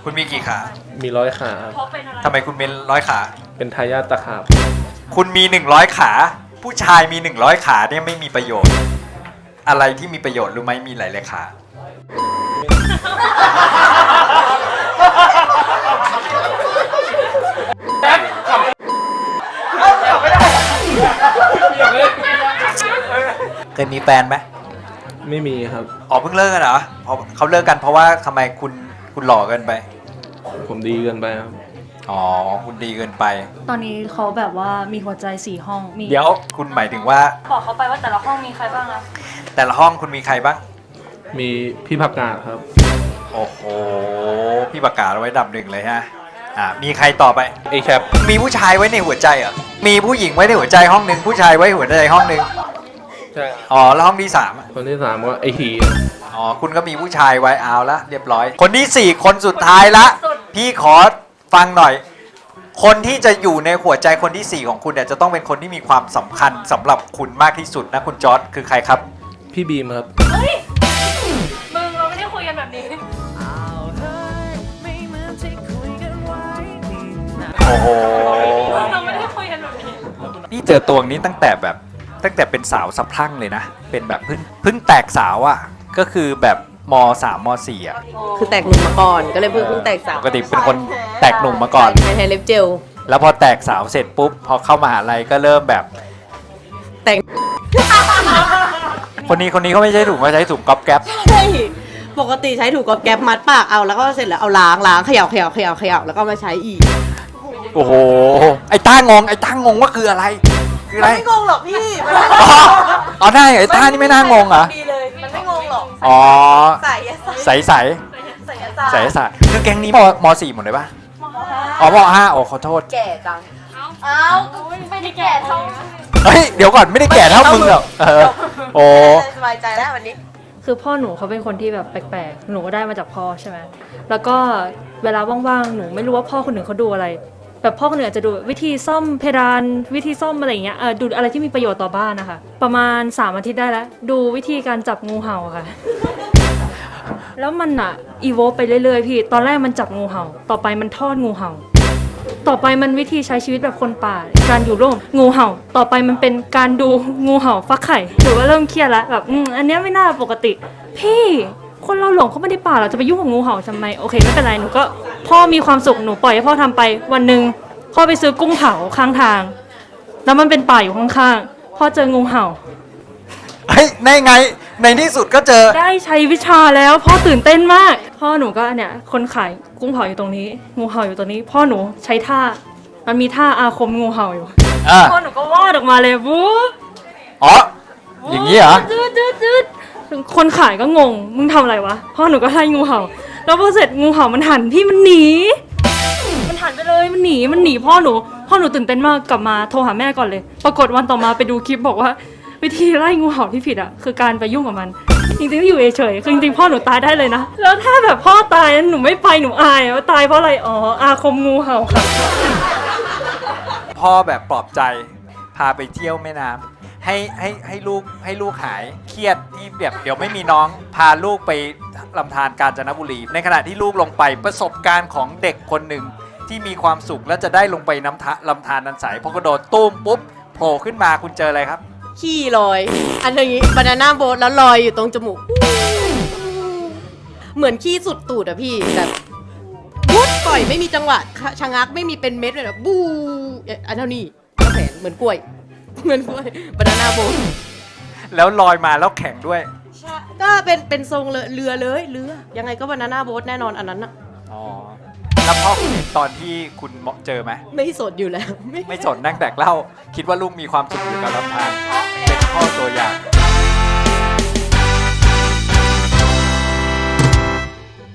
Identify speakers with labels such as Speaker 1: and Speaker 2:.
Speaker 1: คุณมีกี่ขา
Speaker 2: มี100 ขาครับ
Speaker 1: ทำไมคุณเป็น100 ขา
Speaker 2: เป็นทายาทตะขาบ
Speaker 1: คุณมี100 ขา ผู้ชายมี100 ขาเนี่ยไม่มีประโยชน์ อะไรที่มีประโยชน์รู้ไหมมีหลายๆขาเคยมีแฟนไหม
Speaker 2: ไม่มีครับ
Speaker 1: อ๋อเพิ่งเลิกกันเหรอเพราะเขาเลิกกันเพราะว่าทำไมคุณหล่อเกินไป
Speaker 2: ผมดีเกินไปครับ
Speaker 1: อ๋อคุณดีเกินไป
Speaker 3: ตอนนี้เขาแบบว่ามีหัวใจ4 ห้องมี
Speaker 1: เดี๋ยวคุณหมายถึงว่า
Speaker 3: บอกเขาไปว่าแต่ละห้องมีใครบ้างนะ
Speaker 1: แต่ละห้องคุณมีใครบ้าง
Speaker 2: มีพี่ผักกาดครับ
Speaker 1: โอ้โหพี่ประกาศเอาไว้ดับหนึ่งเลยฮะมีใครต่อไป
Speaker 2: ไอแคป
Speaker 1: มีผู้ชายไว้ในหัวใจเหรอมีผู้หญิงไว้ในหัวใจห้องหนึ่งผู้ชายไว้หัวใจห้องหนึ่ง
Speaker 2: ใช่
Speaker 1: อ๋อแล้วห้องที่3อะ
Speaker 2: คนที่3ก็ไอหี
Speaker 1: อ๋อคุณก็มีผู้ชายไว้เอาละเรียบร้อย คนที่4คนสุดท้ายละพี่ขอฟังหน่อย คนที่จะอยู่ในหัวใจคนที่4ของคุณเนี่ยจะต้องเป็นคนที่มีความสำคัญสำหรับคุณมากที่สุดนะคุณจอร์จคือใครครับ
Speaker 2: พี่บีมครับ
Speaker 3: เฮ้ยมึงเราไม่ได้คุยกันแบบนี้
Speaker 1: โอ้โห
Speaker 3: เราไม่ได้คุยกันแบบนี้
Speaker 1: นี่เจอตัวนี้ตั้งแต่เป็นสาวสะพรั่งเลยนะเป็นแบบเพิ่งแตกสาวอ่ะก็คือแบบม3ม4อ่ะ
Speaker 4: คือแตกหนุ่มมาก่อนก็เลยเพิ่งแตกสาว
Speaker 1: ปกติเป็นคนแตกหนุ่มมาก่อน
Speaker 4: ใช้เล็บเจล
Speaker 1: แล้วพอแตกสาวเสร็จปุ๊บพอเข้ามหาลัยก็เริ่มแบบ
Speaker 4: แต่ง
Speaker 1: คนนี้เขาไม่ใช่ถุงเขาใช้ถุงก๊อบแก๊ป
Speaker 4: ใช่ปกติใช้ถูกกอบแก๊บมัดปากเอาแล้วก็เสร็จแล้วเอาล้างเขย่าแล้วก็มาใช้อีก
Speaker 1: โอ้โหไอ้ต้างงว่าคืออะไรคืออะไร
Speaker 4: ไม่งงหรอกพี่
Speaker 1: อ๋อได้ไอ้ต้านี่ไม่น่างงเหรอ
Speaker 4: ดีเลยมันไม่งงหรอก
Speaker 1: อ๋อ
Speaker 4: ใส่
Speaker 1: ใสใสใสคือแก๊งนี้ม4หมดเลยป่ะอ๋อม5โอ้ขอโทษ
Speaker 4: แก่จังอ้าวไม่ได้แก่เท่า
Speaker 1: เฮ้ยเดี๋ยวก่อนไม่ได้แก่เท่ามึงหรอกโอ้
Speaker 4: สบายใจแล้ววันนี้
Speaker 3: คือพ่อหนูเขาเป็นคนที่แบบแปลกๆหนูก็ได้มาจากพ่อใช่ไหมแล้วก็เวลาว่างๆหนูไม่รู้ว่าพ่อคนหนึ่งเขาดูอะไรแบบพ่อคนหนึ่งอาจจะดูวิธีซ่อมเพดานวิธีซ่อมอะไรอย่างเงี้ยดูอะไรที่มีประโยชน์ต่อบ้านนะคะประมาณ3 อาทิตย์ได้แล้วดูวิธีการจับงูเห่าค่ะ แล้วมันอะอีโวไปเรื่อยๆพี่ตอนแรกมันจับงูเห่าต่อไปมันทอดงูเห่าต่อไปมันวิธีใช้ชีวิตแบบคนป่าการอยู่ร่วมงูเห่าต่อไปมันเป็นการดูงูเห่าฟักไข่หนูก็เริ่มเครียดแล้วแบบอันเนี้ยไม่น่าปกติพี่คนเราหลงเข้ามาในป่าเราจะไปยุ่งกับงูเห่าทำไมโอเคไม่เป็นไรหนูก็พ่อมีความสุขหนูปล่อยให้พ่อทำไปวันหนึ่งพ่อไปซื้อกุ้งเผาข้างทางแล้วมันเป็นป่าอยู่ข้างๆพ่อเจองูเห่า
Speaker 1: เฮ้ยในไงในที่สุดก็เจอ
Speaker 3: ได้ใช้วิชาแล้วพ่อตื่นเต้นมาก พ่อหนูก็เนี่ยคนขายกุ้งเผาอยู่ตรงนี้ งูเห่าอยู่ตรงนี้ พ่อหนูใช้ท่ามันมีท่าอาคมงูเห่าอยู่พ่อหนูก็วาดออกมาเลยวู๊บ
Speaker 1: อ๋ออย่างนี้เหรอ
Speaker 3: จืดคนขายก็งงมึงทำอะไรวะพ่อหนูก็ไล่งูเห่าแล้วพอเสร็จงูเห่ามันหันพี่มันหนีมันหันไปเลยมันหนีพ่อหนูตื่นเต้นมากกลับมาโทรหาแม่ก่อนเลย ปรากฏวันต่อมาไปดูคลิปบอกว่าวิธีไล่งูเห่าที่ผิดอ่ะคือการไปยุ่งกับมันจริงๆอยู่เฉยๆคือจริงๆพ่อหนูตายได้เลยนะแล้วถ้าแบบพ่อตายหนูไม่ไปหนูอายว่าตายเพราะอะไรอ๋ออาคมงูเห่าค่ะ
Speaker 1: พ่อแบบปลอบใจพาไปเที่ยวแม่น้ำให้ลูกหายเครียดที่แบบเดี๋ยวไม่มีน้องพาลูกไปลำธารกาญจนบุรีในขณะที่ลูกลงไปประสบการณ์ของเด็กคนหนึ่งที่มีความสุขและจะได้ลงไปลำธารนันใสพอกระโดดตุ้มปุ๊บโผล่ขึ้นมาคุณเจออะไรครับ
Speaker 4: ขี้ลอย อันนี้บานาน่าโบ๊ทแล้วลอยอยู่ตรงจมูก เหมือนขี้สุดตูดอะพี่แบบวุดปล่อยไม่มีจังหวะชะงักไม่มีเป็นเม็ดเลยแบบบูอันเท่านี้แขนเหมือนกล้วยบานาน่าโบ๊ท
Speaker 1: แล้วลอยมาแล้วแข็งด้วย
Speaker 4: ก็เป็นทรงเรือยังไงก็บานาน่าโบ๊ทแน่นอนอันนั้นอะ
Speaker 1: อ๋อแล้วพ่อคุณเห็นตอนที่คุณเจอไหม
Speaker 4: ไม่สดอยู่แล้ว
Speaker 1: ไม่สนนั่งแดกเหล้าคิดว่าลูกมีความสุขอยู่กับลำธารเป็นพ่อตัวอย่าง